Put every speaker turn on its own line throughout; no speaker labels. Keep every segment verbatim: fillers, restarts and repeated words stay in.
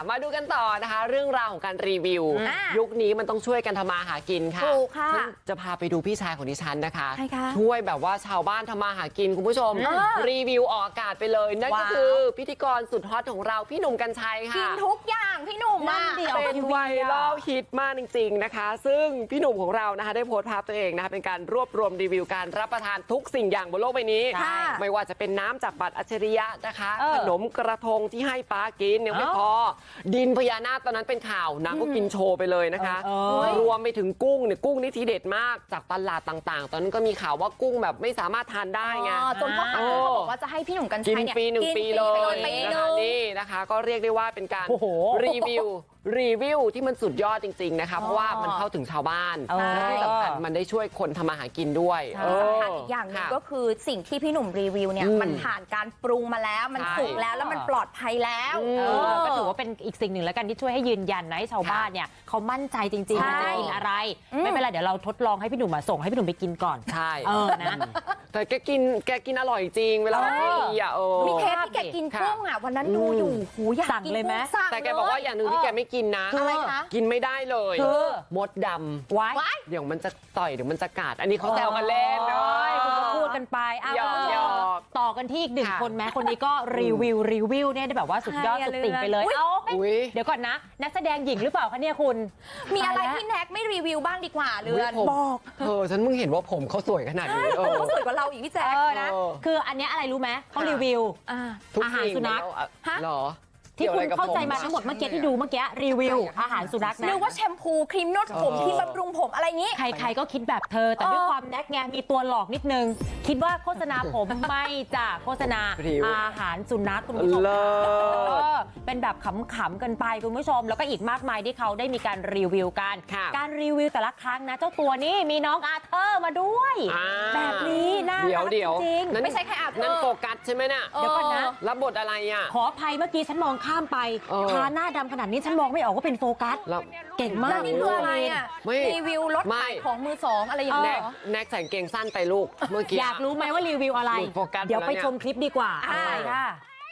มาดูกันต่อนะคะเรื่องราวของการรีวิว
อ่ะ
ยุคนี้มันต้องช่วยกันทำมาหากินค่ะ
ถูกค่ะ
ฉันจะพาไปดูพี่ชายของดิฉันนะคะ
ใครคะ
ช่วยแบบว่าชาวบ้านทำมาหากินคุณผู้ชม
อ่า
รีวิวออกอากาศไปเลยนั่นก็
ว้าว
คือพิธีกรสุดฮอตของเราพี่หนุ่มกรรชัย
กิ
ค่ะ
นทุกอย่างพี่หนุ่ม
นั่
อ่ะ
นดิ
เป็นไวรัลฮิตมากจริงๆนะคะ ซึ่งพี่หนุ่มของเรานะคะได้โพสต์ภาพตัวเองนะคะเป็นการรวบรวมรีวิวการรับประทานทุกสิ่งอย่างบนโลกใบนี้
ค่ะ
ไม่ว่าจะเป็นน้ำจากบัตรอัจฉริยะนะคะ
เออ
ขนมกระทงที่ให้ปลากินยังไม่
เอ้า
พอดินพญานาคตอนนั้นเป็นข่าวนางก็กินโชว์ไปเลยนะคะ
เออเออ
รวมไปถึงกุ้งเนี่ยกุ้งนี่ทีเด็ดมากจากตลาดต่างๆ ตอนนั้นก็มีข่าวว่ากุ้งแบบไม่สามารถทานได้ไง
อ๋อจนพ่อค้า
เออ
เขาบอกว่าจะให้พี่หนุ่มกัญ
กิ
ชั
น
ยเนี่ย
ฟรีหนึ่ง
กิ
ปีเลย
ไป
นะ
เล
คะ
ย
นี่นะคะก็เรียกได้ว่าเป็นการ
โอ้โห
รีวิวรีวิวที่มันสุดยอดจริงๆนะคะเพราะว่ามันเข้าถึงชาวบ้าน
เออ
และที่สำคัญมันได้ช่วยคนทำมาหากินด้วย
ใช่
เออ
สำคัญอีกอย่างหนึง
ค่ะ
ก็คือสิ่งที่พี่หนุ่มรีวิวเนี่ย
อืม
มันผ่านการปรุงมาแล้วมัน
ใช่
สุกแล้วแล้วมันปลอดภัยแล้ว
อืม
เออก็ถือว่าเป็นอีกสิ่งหนึ่งแล้วกันที่ช่วยให้ยืนยันนะให้ชาวบ้านเนี่ยเขามั่นใจจริงๆ
ใช่
ว่าจะกินอะไร
อืม
ไม่เป็นไรเดี๋ยวเราทดลองให้พี่หนุ่มมาส่งให้พี่หนุ่มไปกินก่อน
ใช่
เออนะ
แต่แกกินแกกินอร่อยจริงเวลา
เออ
ทีอ่ะเออ
มีเทปที่แกกิน
ค่ะ
กุ้งอ่ะวันนั้นดูอยู่หูอยาก
สั่ง
กิน
เลยไหม
กุ้งสั่ง
แต่แกบอกว่าอย่างหนึ่งที่แกไม่กินนะ
อะไรคะ
กินไม่ได้เลย
คือ
มดดำ
ไว้
ว้าย
เดี๋ยวมันจะต่อยเดี๋ยวมันจะกัดอันนี้เขาแซวกันเล่น
โอ้ยคุณก็พูดกันไปอ้าว
หยอกหยอก
ต่อกันที่อีกหนึ่ง
ค่ะ
คนแม้คนนี้ก็รีวิวรีวิวเนี่ยได้แบบว่าสุดยอด
ใครอะ
สุดติ่งไปเลย
เรือน
เอ้า
อุ๊ย
เดี๋ยวก่อนนะ นักแสดงหญิงหรือเปล่าคะเนี่ยคุณ
มีอะไร
ตายแล้ว
ที่แน็กไม่รีวิวบ้างดีกว่าเรือน
ผม
บอก
เธอฉันเพิ่งเห็นว่าผมเขาสวยขนาดนี้เออ
เขาสวยกว่าเราอีกพี่แจ๊
เอ
ค
อนะ
เออ
คืออันเนี้ยอะไรรู้ไหมเขา
ค่ะ
รีวิว
อ่า
ทุก
อาหาร
สิ่ง
สุนัข
แล้วอะ
ฮะ
เหรอ
ที่คุณเข้าใจมา
กี่ยวอะรกับ
ทั้งหมดเมื่อกี้ที่ดูเมื่อกี้รีวิวอาหารสุนัขนะ
นึกว่าแชมพูครีมนวดผม
เออ
ครีมบำรุงผมอะไรอย่างงี้
ใครๆก็คิดแบบเธอ แต่ด้วย
เออ
ความแน็กไงมีตัวหลอกนิดนึง คิดว่าโฆษณาผมไม่จ้ะโฆษณา
รีวิว
อาหารสุนัขคุณผู้ชม
เลิศ
เออเป็นแบบขำๆกันไปคุณผู้ชม แล้วก็อีกมากมายที่เขาได้มีการรีวิวกัน
ค่ะ
การรีวิวแต่ละครั้งนะเจ้าตัวนี้มีน้องอาเธอร์มาด้วย
อ่า
แบบนี้น่า
เดี๋ย
รั
ว
ก
เดี๋ยว
จริง
นั่น
ไม่ใช่แค่อาเธอร์
นั่นโฟกัสใช่ไหมน่ะ
เดี๋ยวก่อนนะ
รับบทอะไรอ่ะ
ขออภัยเมื่อกี้ฉันมองข้ามไป
เออ
ทาหน้าดำขนาดนี้ฉันมองไม่ออกว่าเป็นโฟกัส
แล้ว
เก่งมา
แล้
ก
วนี่คืออะไรอ่ะ
ไม่
รีวิวรถ
ไม่
ขายของมือสองอะไรอย่าง
แน็
เงี้ย
ก
เหรอ
แน็กใส่กางเกงสั้นไปลูกเมื่อกี้
อยากรู้ไหมว่ารีวิวอะไร
หลุดโฟกัส
เดี๋ยวไป
แล้วเนี่ย
ชมคลิปดีกว่า
อ่า
ไปค่ะ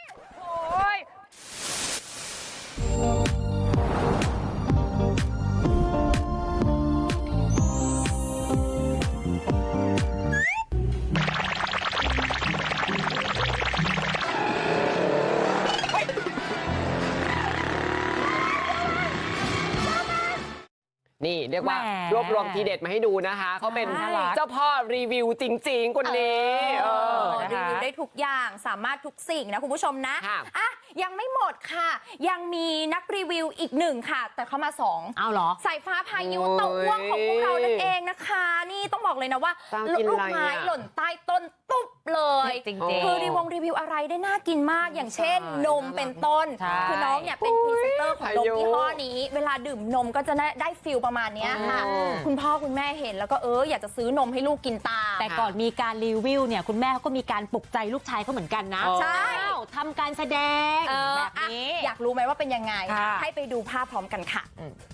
นี่เรียกว่า
แหม
รวบรวมทีเด็ดมาให้ดูนะคะเขาเป็น
น่ารัก
เจ้าพ่อรีวิวจริง ๆ คนนี้เออ
รี
นะคะ
วิวได้ทุกอย่างสามารถทุกสิ่งนะคุณผู้ชมนะ
ค่ะ
อ่ะยังไม่หมดค่ะ ยังมีนักรีวิวอีกหนึ่งค่ะ แต่เขามาสอง
เอาเหรอ
สายฟ้าพายุ
โอ้ย
เต้าอ้วงของพวกเรานั่นเองนะคะ นี่ต้องบอกเลยนะว่า
ตามกิน
ลูก
อะไร
ไม้
อะ
หล่นใต้ต้นตุ๊บเลย
จริง
ๆ
คือรีวงรีวิวอะไรได้น่ากินมากอย่างเช่น
ใช่
นมเป็นต้น
ใช่
คือน้องเนี่ยเป็นพรีเซนเตอร์ของนม
พายุ
ยี่ห้อนี้ เวลาดื่มนมก็จะได้ได้ฟิลประมาณเนี้ยค่ะ
อืม
คุณพ่อคุณแม่เห็นแล้วก็เอออยากจะซื้อนมให้ลูกกินตาม
แต่ก่อนมีการรีวิวเนี่ยคุณแม่เขาก็มีการปลุกใจลูกชายเขาเหมือนกันนะ
ใช่
อ้าวทำการแสดง
เออ
แบบ
อ่ะ
นี้
อยากรู้ไหมว่าเป็นยังไง
ค่ะ
ให้ไปดูภาพพร้อมกันค่ะ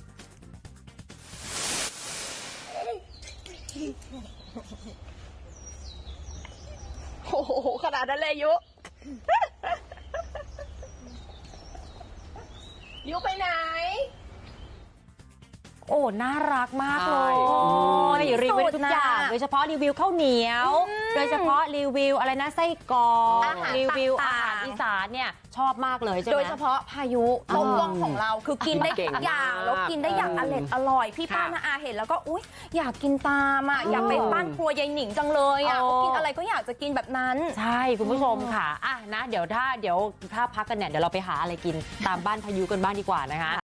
โอ้โห ขนาดนั้นเลยยุ ยุไปไหน
โอ้น่ารักมากเล
ใช่
ย
อืม
รีวิวทุกอย่าง
สุดน่ะ
โดยเฉพาะรีวิวข้าวเหนียว โดยเฉพาะรีวิวอะไรนะไส้กรอก
อาหาร
รีวิว
ต่า
อาง
ๆ
หารอีสานเนี่ยชอบมากเลยใช่ไหม
โดยเฉพาะพายุต้มว่องของเราคือกินได้
เก่
ทุ
ง
กอย่าง
มาก
แล้วกินได้อย่างอร่อยอร่อย พี่ป้า
ค่ะ
นาอาเห็นแล้วก็อุ๊ยอยากกินตามอ่ะอยากไปบ้านครัวยายหนิงจังเลยอ่ะ
โอ้
เขากินอะไรก็อยากจะกินแบบนั้น
ใช่คุณผู้ชมค่ะอ่ะนะเดี๋ยวถ้าเดี๋ยวถ้าพักกันเนี่ยเดี๋ยวเราไปหาอะไรกินตามบ้านพายุกันบ้างดีกว่านะคะ